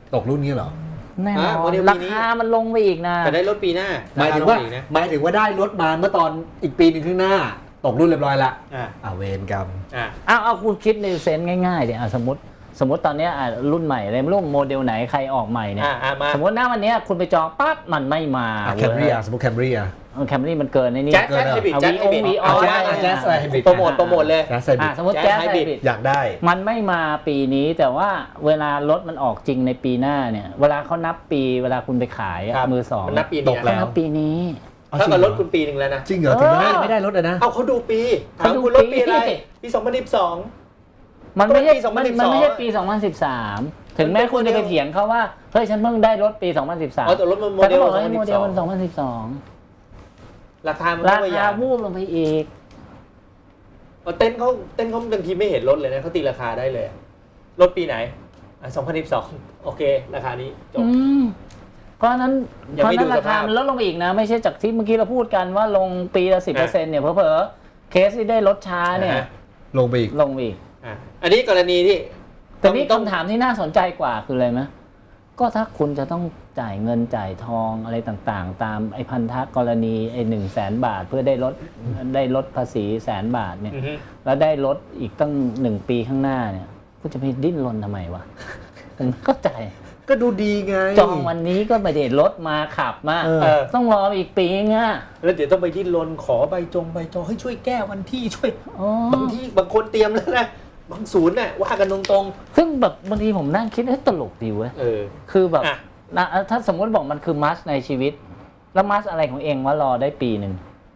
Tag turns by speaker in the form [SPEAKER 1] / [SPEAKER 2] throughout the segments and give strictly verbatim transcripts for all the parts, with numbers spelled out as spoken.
[SPEAKER 1] ตกรุ่นนี้เหรอ
[SPEAKER 2] แน่นอนราคามันลงไปอีกนะ
[SPEAKER 3] แต่ได้รถปีหน้า
[SPEAKER 1] หมายถึงว่าหมายถึงว่าได้รถมาเมื่อตอนอีกปีหนึ่งข้างหน้าตกรุ่นเรียบร้อยละ
[SPEAKER 3] อ่า
[SPEAKER 1] อ่าเวรกรรม
[SPEAKER 3] อ่า
[SPEAKER 2] เอาเอาคุณคิดในเซนส์ง่ายๆเดี๋ยวสมมติสมมติตอนนี้รุ่นใหม่เลยไม่รู้โมเดลไหนใครออกใหม่เนี่ยสมมติหน้าวันนี้คุณไปจองปั๊บมันไม่มา
[SPEAKER 1] แคมรี่อ่ะสมมติแคมรี่อ่ะ
[SPEAKER 2] แคมรี่มันเกินในนี้
[SPEAKER 3] แจ๊สไฮบริดแจ๊สไฮบริด
[SPEAKER 1] แจ๊สไฮบริด
[SPEAKER 3] โปรโมทโปรโมทเลย
[SPEAKER 2] สมมติแจ๊สไฮบริด
[SPEAKER 1] อยากได้
[SPEAKER 2] มันไม่มาปีนี้แต่ว่าเวลารถมันออกจริงในปีหน้าเนี่ยเวลาเขานับปีเวลาคุณไปขายมือสอง
[SPEAKER 3] นับปี
[SPEAKER 2] ตกแล้วนับปีนี้
[SPEAKER 3] ถ้ากับรถคุณปีหนึ่งแล้วนะ
[SPEAKER 1] จริงเหรอถึงไม่ไม่ได้รถนะ
[SPEAKER 3] เอาเขาดูปีเขาดูรถปีอะไรปีสองพันสิบสอง
[SPEAKER 2] มันไม่ใช่มันไม่ใช่ปีสองพันสิบสามถึงแม้คุณจะไปเถียงเขาว่าเฮ้ยฉันเพิ่งได้รถปีสองพันสิบสาม
[SPEAKER 3] แต่รถมันโมเดล
[SPEAKER 2] โมเดลมันสองพันสิบสอง
[SPEAKER 3] ราคามัน
[SPEAKER 2] ราคาวูบลงไปอีก
[SPEAKER 3] เต้นเขาเต้นเขาบางทีไม่เห็นรถเลยนะเขาตีราคาได้เลยรถปีไหนสองพันสิบสองโอเคราคานี้จบ
[SPEAKER 2] เพราะนั้นเพราะนั้นราคามันลดลงไปอีกนะไม่ใช่จากที่เมื่อกี้เราพูดกันว่าลงปีละสิบเปอร์เซ็นต์เนี่ยเพอเพอเคสที่ได้รถช้าเนี่ย
[SPEAKER 1] ลงไปอีก
[SPEAKER 2] ลงไปอีก
[SPEAKER 3] อันนี้กรณีที่
[SPEAKER 2] แต่นี่คำถามที่น่าสนใจกว่าคืออะไรไหมก็ถ้าคุณจะต้องจ่ายเงินจ่ายทองอะไรต่างๆตามไอ้พันธกรณีไอ้หนึ่งแสนบาทเพื่อได้ลดได้ลดภาษีแสนบาทเนี่ยแล้วได้ลดอีกตั้งหนึ่งปีข้างหน้าเนี่ยคุณจะไปดิ้นรนทำไมวะผมเข้าใจ
[SPEAKER 1] ก็ดูดีไง
[SPEAKER 2] จองวันนี้ก็ไม่ได้รถมาขับมาต้องรออีกปีง่ะ
[SPEAKER 3] แล้วเดี๋ยวต้องไปดิ้นรนขอใบจงใบจองให้ช่วยแก้วันที่ช่วยบางที่บางคนเตรียมแล้วนะบางศูนย์น่ะว่ากันตรง
[SPEAKER 2] ๆซึ่งแบบบางทีผมนั่งคิดเฮ้ยตลกดีเว้ยคือแบบถ้าสมมติบอกมันคือมัสในชีวิตแล้วมัสอะไรของเองว่ารอได้ปีหนึ่ง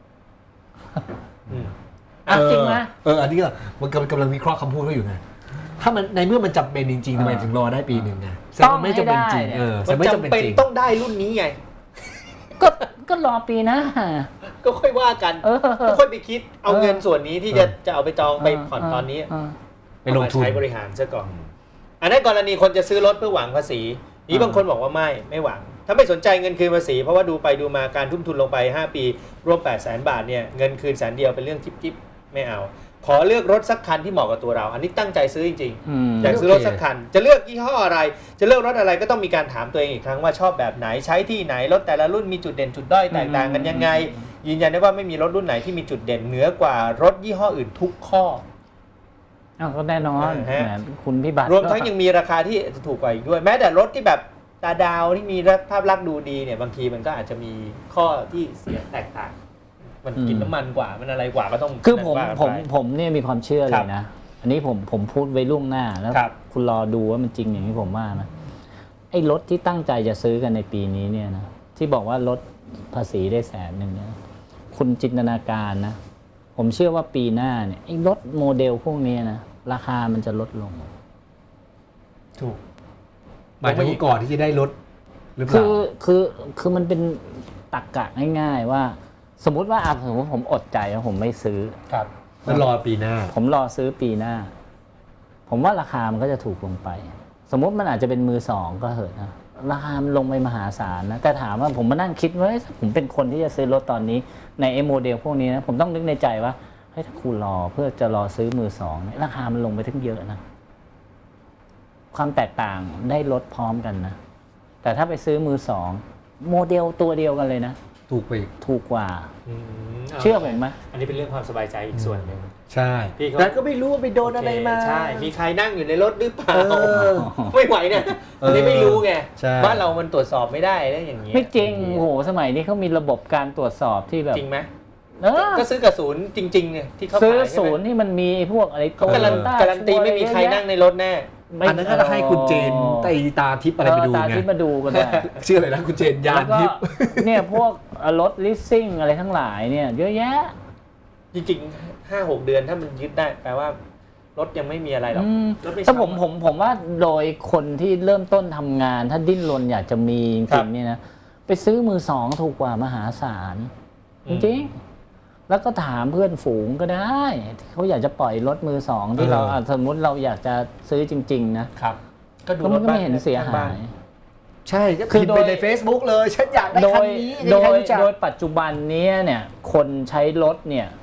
[SPEAKER 2] อ่ะจริงไหม
[SPEAKER 1] เอออันนี้ก็มันกำลังวิเคราะห์คำพูดเขาอยู่ไงถ้ามันในเมื่อมันจำเป็นจริงๆทำไมถึงรอได้ปีหนึ่งไงแต่มันไม่จำเป็นจริงเออ
[SPEAKER 3] มันจำเป็นต้องได้รุ่นนี้ไง
[SPEAKER 2] ก็ก็รอปีนะ
[SPEAKER 3] ก็ค่อยว่ากันก็ค่อยไปคิดเอาเงินส่วนนี้ที่จะจะเอาไปจองไปผ่อนตอนนี้
[SPEAKER 1] ไปลงทุน
[SPEAKER 3] ใช้บริหารซะก่อนอันนั้นกรณีคนจะซื้อรถเพื่อหวังภาษีนี้บางคนบอกว่าไม่ไม่หวังถ้าไม่สนใจเงินคืนภาษีเพราะว่าดูไปดูมาการทุ่มทุนลงไปห้าปีรวมแปดแสนบาทเนี่ยเงินคืนแสนเดียวเป็นเรื่องจิ๊บๆไม่เอาขอเลือกรถสักคันที่เหมาะกับตัวเราอันนี้ตั้งใจซื้อจริงๆอยากซื้อรถสักคันจะเลือกยี่ห้ออะไรจะเลือกรถอะไรก็ต้องมีการถามตัวเองอีกครั้งว่าชอบแบบไหนใช้ที่ไหนรถแต่ละรุ่นมีจุดเด่นจุดด้อยแตกต่างกันยังไงยืนยันได้ว่าไม่มีรถรุ่นไหนที่มีจุดเด่นเหนือกว่ารถยี่ห้ออื่นทุกข้อ
[SPEAKER 2] อ้าวก็แน่นอนคุณพี่บัตร
[SPEAKER 3] รวมทั้งยังมีราคาที่ถูกกว่าอีกด้วยแม้แต่รถที่แบบตาดาวที่มีภาพลักษณ์ดูดีเนี่ยบางทีมันก็อาจจะมีข้อที่เสียแตกต่างมันกินน้ำมันกว่ามันอะไรกว่าก็ต้อง
[SPEAKER 2] คือผมผมผมเนี่ยมีความเชื่อเลยนะอันนี้ผมผมพูดไว้ล่วงหน้าแล้วคุณรอดูว่ามันจริงอย่างที่ผมว่านะไอ้รถที่ตั้งใจจะซื้อกันในปีนี้เนี่ยนะที่บอกว่าลดภาษีได้แสนหนึ่งเนี่ยคุณจินตนาการนะผมเชื่อว่าปีหน้าเนี่ยไอ้รถโมเดลพวกนี้นะราคามันจะลดลง
[SPEAKER 1] ถูกหมายถึงก่อนที่จะได้ลดหรือเปล่า
[SPEAKER 2] คือคือคือมันเป็นตรรกะง่ายๆว่าสมมุติว่าสมมติผมอดใจแล้วผมไม่ซื้อ
[SPEAKER 1] ครับแล้วรอปีหน้า
[SPEAKER 2] ผมรอซื้อปีหน้าผมว่าราคามันก็จะถูกลงไปสมมติมันอาจจะเป็นมือสองก็เหอะนะราคามันลงไปมหาศาลนะแต่ถามว่าผมมานั่งคิดว่าผมเป็นคนที่จะซื้อรถตอนนี้ในไอ้โมเดลพวกนี้นะผมต้องนึกในใจว่าเฮ้ยถ้าคุณรอเพื่อจะรอซื้อมือสองราคามันลงไปถึงเยอะนะความแตกต่างได้ลดพร้อมกันนะแต่ถ้าไปซื้อมือสองโมเดลตัวเดียวกันเลยนะ
[SPEAKER 1] ถูกไป
[SPEAKER 2] ถูกกว่าเชื่อผมไหม
[SPEAKER 3] อันนี้เป็นเรื่องความสบายใจอีกส่วนหนึ่ง
[SPEAKER 1] ใช่แต่ก็ไม่รู้ว่าไปโดนอะไรมา
[SPEAKER 3] ใช่มีใครนั่งอยู่ในรถหรือเปล่าไม่ไหวเนี่ยอันนี้ไม่รู้ไงบ้านเรามันตรวจสอบไม่ได้แล้วอย่างนี้
[SPEAKER 2] ไม่จริงโอ้โหสมัยนี้เขามีระบบการตรวจสอบที่แบบ
[SPEAKER 3] จริงไหมก็ซื้อกระสุนจริงๆเนี่ยที่เขา
[SPEAKER 2] ซื้อศูนย์ที่มันมีพวกอะไร
[SPEAKER 3] เขาการันตีไม่มีใครนั่งในรถแน่
[SPEAKER 1] อันนั้นก็ให้คุณเจนไตตาทิพย์อะไรไปดูไง
[SPEAKER 2] ตาทิพย์มาดูกันได้
[SPEAKER 1] ชื่ออะไรนะคุณเจนยานทิพย์
[SPEAKER 2] เนี่ยพวกรถลิสซิ่งอะไรทั้งหลายเนี่ยเยอะแยะ
[SPEAKER 3] จริงๆห้าหกเดือนถ้ามันยึดได้แปลว่ารถยังไม่มีอะไรหรอก
[SPEAKER 2] ถ้าผมผมผมว่าโดยคนที่เริ่มต้นทำงานถ้าดิ้นรนอยากจะมีจริงๆเนี่ยนะไปซื้อมือสองถูกกว่ามหาศาลจริงแล้วก็ถามเพื่อนฝูงก็ได้เขาอยากจะปล่อยรถมือสองที่เราสมมติเราอยากจะซื้อจริงๆนะครับก็ดูมันก็ไม่เห็นเสียหาย
[SPEAKER 1] ใช่ก็พิมพ์ไปใน Facebook เลยฉันอยากได้คันนี้
[SPEAKER 2] โดยโดยปัจจุบันนี้เนี่ยคนใช้รถเนี่ยเ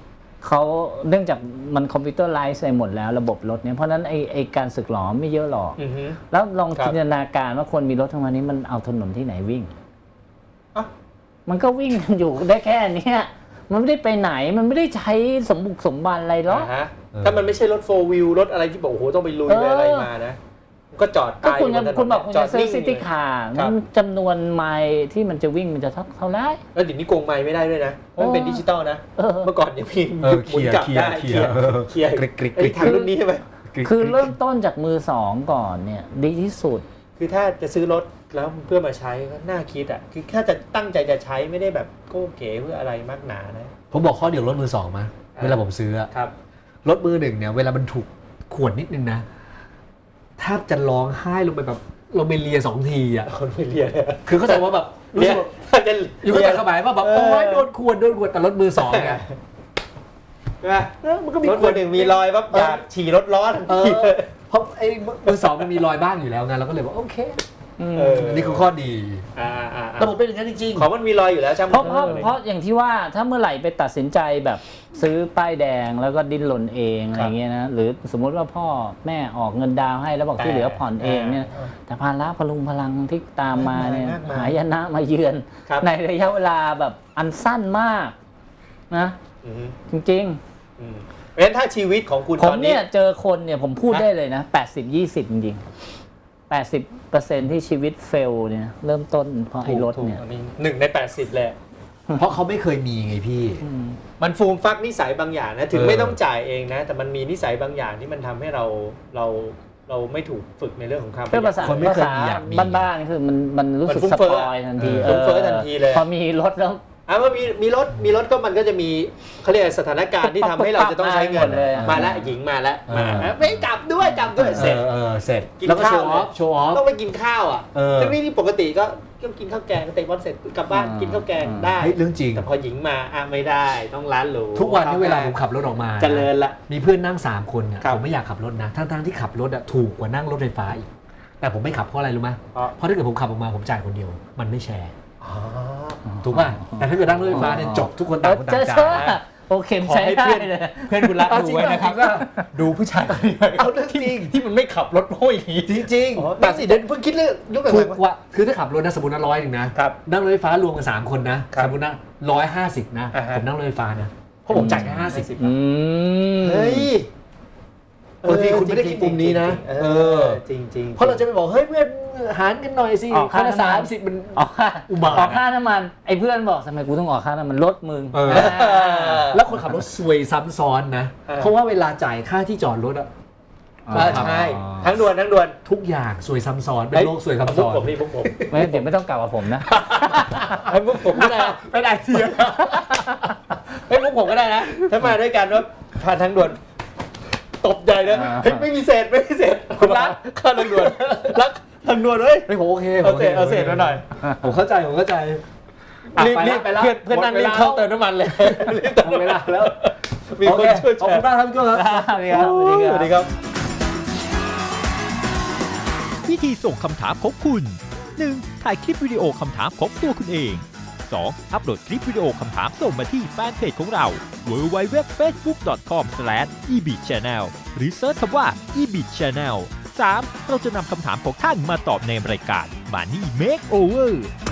[SPEAKER 2] เขาเนื่องจากมันคอมพิวเตอร์ไลซ์ไปหมดแล้วระบบรถเนี่ยเพราะฉะนั้นไอไอการสึกหรอไม่เยอะหรอก
[SPEAKER 3] อือฮึ
[SPEAKER 2] แล้วลอง
[SPEAKER 3] ครับ
[SPEAKER 2] จินตนาการว่าคนมีรถทั้งวันนี้มันเอาถนนที่ไหนวิ่ง
[SPEAKER 3] อ่ะ
[SPEAKER 2] มันก็วิ่งกันอยู่ได้แค่เนี้ยมันไม่ได้ไปไหนมันไม่ได้ใช้สมบุกสมบันอะไรหรอก
[SPEAKER 3] อ่าฮะถ้ามันไม่ใช่รถโฟร์วิวรถอะไรที่บอกโอ้โหต้องไปลุยไปอะไรมานะก็จอด
[SPEAKER 2] ก็คุณ
[SPEAKER 3] ตาย
[SPEAKER 2] คุณบอกคุณ
[SPEAKER 3] จ
[SPEAKER 2] จะซื้อ
[SPEAKER 3] นิ่ง
[SPEAKER 2] ซิตี้คาร์
[SPEAKER 3] ครั
[SPEAKER 2] มั
[SPEAKER 3] บ
[SPEAKER 2] นจำนวนไมล์ที่มันจะวิ่งมันจะเท่าเท่าไหร
[SPEAKER 3] แล้วเดี๋ยวนี้โกงไม้ไม่ได้ด้วยนะเพราะมันเป็นดิจิตอลนะ
[SPEAKER 2] เออ
[SPEAKER 3] เมื่อก่อนยังมี
[SPEAKER 1] เออ
[SPEAKER 3] หมุนกลับได้
[SPEAKER 1] เคลียร์
[SPEAKER 3] เคลียร์
[SPEAKER 1] กริกกริก
[SPEAKER 3] ไอ้ทางรุ่นนี้ใช่ไหม
[SPEAKER 2] คือเริ่มต้นจากมือสองก่อนเนี่ยดีที่สุด
[SPEAKER 3] คือถ้าจะซื้อรถแล้วเพื่อมาใช้ก็น่าคิดอ่ะคือแค่จะตั้งใจจะใช้ไม่ได้แบบโก้เก๋เพื่ออะไรมากหนานะ
[SPEAKER 1] ผมบอกข้อเดียวรถมือสองมา
[SPEAKER 3] อ่า
[SPEAKER 1] เวลาผมซื้ออะ
[SPEAKER 3] ครับ
[SPEAKER 1] รถมือหนึ่งเนี่ยเวลามันถูกขวนนิดนึงนะแทบจะร้องไห้ลงไปแบบลงไปเลียสองทีอ่ะ
[SPEAKER 3] คนไม่เรียนเลย
[SPEAKER 1] คือเข้าใจว่าแบบรู้
[SPEAKER 3] เรีย
[SPEAKER 1] สึ
[SPEAKER 3] น
[SPEAKER 1] กว่า
[SPEAKER 3] ถ้าจะ
[SPEAKER 1] อยู่เข้าใจเข้าหมายว่าแบบ
[SPEAKER 3] เออ
[SPEAKER 1] โอ๊ยโดนขวนโดนขวนแต่รถมือสองเนี่ย
[SPEAKER 3] ใช่ไหม
[SPEAKER 1] เออมันก็มี
[SPEAKER 3] รถคนหนึ่งมีรอยปั๊บอยากฉี่รถร้อน
[SPEAKER 1] เออเพราะไอ้มือสองมันมีรอยบ้างอยู่แล้วไงเราก็เลยว่าโอเค
[SPEAKER 3] เออ
[SPEAKER 1] นี่คือข้อดี
[SPEAKER 3] อ่าอ่าอ่า
[SPEAKER 1] ระบบเป็นอย่างนั้นจริง
[SPEAKER 3] ของมันมีรอยอยู่แล้วช่าง
[SPEAKER 2] เพราะ
[SPEAKER 3] มัน
[SPEAKER 2] เพราะ
[SPEAKER 3] ถอ
[SPEAKER 2] เพราะอย่างที่ว่าถ้าเมื่อไหร่ไปตัดสินใจแบบซื้อป้ายแดงแล้วก็ดิ้นรนเองอะไรเงี้ยนะหรือสมมุติว่าพ่อแม่ออกเงินดาวน์ให้แล้วบอกที่เหลือผ่อนเองเนี่ยแต่ภาระพลุงพลังที่ตามมาเนี่ยหายนะมาเยือน
[SPEAKER 3] ครับ
[SPEAKER 2] ในระยะเวลาแบบอันสั้นมากนะ
[SPEAKER 3] อืม
[SPEAKER 2] จริง
[SPEAKER 3] อืมเพราะฉะนั้นถ้าชีวิตของคุณ
[SPEAKER 2] ๆ ผ
[SPEAKER 3] ต
[SPEAKER 2] ม
[SPEAKER 3] อนนี้
[SPEAKER 2] เนี่ยเจอคนเนี่ยผมพูด
[SPEAKER 3] ฮะ
[SPEAKER 2] ได้เลยนะ แปดสิบ ยี่สิบ จริงๆ แปดสิบเปอร์เซ็นต์ ที่ชีวิตเฟลเนี่ยเริ่มต้นเพราะไอ้รถเนี่ย
[SPEAKER 3] อันนี้หนึ่งในแปดสิบเลย
[SPEAKER 1] ๆ เพราะเขาไม่เคยมีไงพี่
[SPEAKER 3] มันฟูมฟักนิสัยบางอย่างนะ ถึง
[SPEAKER 1] เออ
[SPEAKER 3] ไม่ต้องจ่ายเองนะ แต่มันมีนิสัยบางอย่างที่มันทำให้เราเราเราไม่ถูกฝึกในเรื่องของความ
[SPEAKER 2] เพื่อภาษา
[SPEAKER 1] คนไม่
[SPEAKER 2] ภา
[SPEAKER 1] เคย
[SPEAKER 2] ษา
[SPEAKER 1] มีอยากมี
[SPEAKER 2] บ้านๆคือมันมันรู้สึก
[SPEAKER 3] มันฟุ้ง
[SPEAKER 2] ส
[SPEAKER 3] เฟ้
[SPEAKER 2] ป
[SPEAKER 3] อ
[SPEAKER 2] อยทันที
[SPEAKER 3] เออฟุ้งเฟ้อทันทีเลย
[SPEAKER 2] พอมีรถแล้ว
[SPEAKER 3] อ่ะว่ามีมีรถมีรถก็มันก็จะมีเขาเรียกอะไรสถานการณ์ที่ทำให้เราจะต้องใช้เงิน
[SPEAKER 2] มาหมดเลยอะ
[SPEAKER 3] มาแล้วหญิงมาแล้วมา
[SPEAKER 1] เออ
[SPEAKER 3] แล้วไม่จับด้วยจับด้วยเสร็จ
[SPEAKER 1] เออเออเสร็จ
[SPEAKER 3] กิน
[SPEAKER 1] แล้วก็โช
[SPEAKER 3] ข้าว
[SPEAKER 1] ว์ออฟโชว์ออฟ
[SPEAKER 3] ต้องไปกินข้าวอ่ะ
[SPEAKER 1] เออ
[SPEAKER 3] ทั้งนี้ที่ปกติก็ก็กินข้าวแกงเตะบอลเสร็จกลับบ้าน
[SPEAKER 2] อ่า
[SPEAKER 3] กินข้าวแกง
[SPEAKER 2] อ่า
[SPEAKER 3] ได้
[SPEAKER 1] เฮ้ยเรื่องจริง
[SPEAKER 3] แต่พอหญิงมาอ่ะไม่ได้ต้องร้านหรู
[SPEAKER 1] ทุกวันที่เวลาผมขับรถออกมา
[SPEAKER 3] เจริญละ
[SPEAKER 1] มีเพื่อนนั่งสามคนเนี่ย
[SPEAKER 3] ครับ
[SPEAKER 1] ผมไม่อยากขับรถนะทั้งๆที่ขับรถอะถูกกว่านั่งรถไฟฟ้าอีกแต่ผมไม่ขับเพราะอะไรรู้ไหม
[SPEAKER 3] เพราะ
[SPEAKER 1] เพราะถ้าเกิดผมขับออกมาผมจ่ายคนเดียวมันไม่แชร์
[SPEAKER 3] อ๋อ
[SPEAKER 1] ถูกป่ะแต่ถ้าเกิดนั่งรถไฟฟ้าเนี่ยจบทุกคนต่างคน
[SPEAKER 2] เจ
[SPEAKER 1] ต่า
[SPEAKER 2] อง
[SPEAKER 1] จ่า
[SPEAKER 2] เชื่อย โอเค
[SPEAKER 3] ขอ
[SPEAKER 2] ใช้
[SPEAKER 3] ให้
[SPEAKER 2] ได้
[SPEAKER 3] เพื่อน
[SPEAKER 2] เลย
[SPEAKER 3] เพื่อนคุณรัก
[SPEAKER 1] เอา
[SPEAKER 3] ดู
[SPEAKER 1] จริง
[SPEAKER 3] ไว้นะครับ
[SPEAKER 1] ป่ะ
[SPEAKER 3] ดูผู้ชายคนนี้ไว้
[SPEAKER 1] เอาเรื่องจริง
[SPEAKER 3] ที่มันไม่ขับรถโม้ยอย่างนี้
[SPEAKER 1] จริง
[SPEAKER 3] อ๋อ
[SPEAKER 1] ๆ
[SPEAKER 3] แต่สิเดี๋ยวเพิ่งคิดเรื่องยุคหลั
[SPEAKER 1] ถู
[SPEAKER 3] ง
[SPEAKER 1] กกว่าคือถ้าขับรถนะสมมตินะร้อยหนึ่งนะครับ นั่งรถไฟฟ้ารวมกันสามคนนะครับ สมมตินะร้อยห้าสิบนะ
[SPEAKER 3] อ่าฮะ
[SPEAKER 1] ผมนั่งรถไฟฟ้านะเพราะผมจ่ายแค่ห้าสิบ
[SPEAKER 2] อืม
[SPEAKER 3] เฮ้ย
[SPEAKER 1] บางทีคุณไม่ได้คิดมุมนี้นะ
[SPEAKER 3] เอ
[SPEAKER 1] เอ
[SPEAKER 3] อ
[SPEAKER 1] อ
[SPEAKER 3] จริงจริง
[SPEAKER 1] เพราะเราจะไปบอกเฮ้ยเพื่อนหารกันหน่อยสิ
[SPEAKER 2] ออกค่า
[SPEAKER 1] คนละ
[SPEAKER 2] น้ำมัน
[SPEAKER 1] สามสิบมัน
[SPEAKER 2] ออกค่า
[SPEAKER 1] อุบาท
[SPEAKER 2] ออกค่าน้ำมันไอ้เพื่อนบอกทำไมกูต้องออกค่าน้ำมันรถมึง
[SPEAKER 1] เออ แล้วคนขับรถซวยซ้ำซ้อนนะ เพราะว่าเวลาจ่ายค่าที่จอดรถอะ
[SPEAKER 3] เออใช่ทั้งด่วนทั้งด่วน
[SPEAKER 1] ทุทุกอย่างซวยซ้ำซ้อนเป็นโรคซวยซ้ำ
[SPEAKER 3] มุ
[SPEAKER 1] ซ้
[SPEAKER 3] ก
[SPEAKER 1] อน
[SPEAKER 3] ผมนี่มุกผม
[SPEAKER 2] ไม่เดี๋ยวไม่ต้องกลับกับผมนะ
[SPEAKER 3] ไอ้มุกผมก็ได้
[SPEAKER 1] เป็นไอเดีย
[SPEAKER 3] ไอ้มุกผมก็ได้นะถ้ามาด้วยกันว่าผ่านทางด่วนตบใหญ่เลย
[SPEAKER 2] อ่า
[SPEAKER 3] เฮ้ยไม่มีเศษไม่มีเศษผมรักข้าทางด่วนรักทางด่วนเฮ้ย
[SPEAKER 1] ไม่ผมโอเค
[SPEAKER 3] เอาเศษเอาเศษมาหน่อย
[SPEAKER 1] ผมเข้าใจผมเข้าใจอ่ะ
[SPEAKER 3] รีบ
[SPEAKER 1] ไป
[SPEAKER 3] รี
[SPEAKER 1] ละ
[SPEAKER 3] บ
[SPEAKER 1] ไปละ
[SPEAKER 3] เพื่อนเพื่อนนั่นรีบเข้าเติมน้ำมันเลยรีบเติม
[SPEAKER 1] หมด
[SPEAKER 3] น้ำ
[SPEAKER 1] เว
[SPEAKER 3] มัน
[SPEAKER 1] ลาแล้ว
[SPEAKER 3] มีคนช่วย
[SPEAKER 1] ขอบ
[SPEAKER 3] แช
[SPEAKER 1] คุณ
[SPEAKER 3] ร์
[SPEAKER 1] มากครับพี่โก้ครับ
[SPEAKER 2] สวัสดีครับ
[SPEAKER 3] สวัสดีครับ
[SPEAKER 4] วิธีส่งคำถามของคุณ หนึ่ง ถ่ายคลิปวิดีโอคำถามของตัวคุณเอง สอง อัปโหลดคลิปวิดีโอคำถามส่งมาที่แฟนเพจของเรา ดับเบิลยู ดับเบิลยู ดับเบิลยู ดอท เฟซบุ๊ก ดอท คอม สแลช อี บี ชาแนล หรือเซิร์ชคำว่า อี บี ชาแนล สาม เราจะนำคำถามของท่านมาตอบในรายการ Money Makeover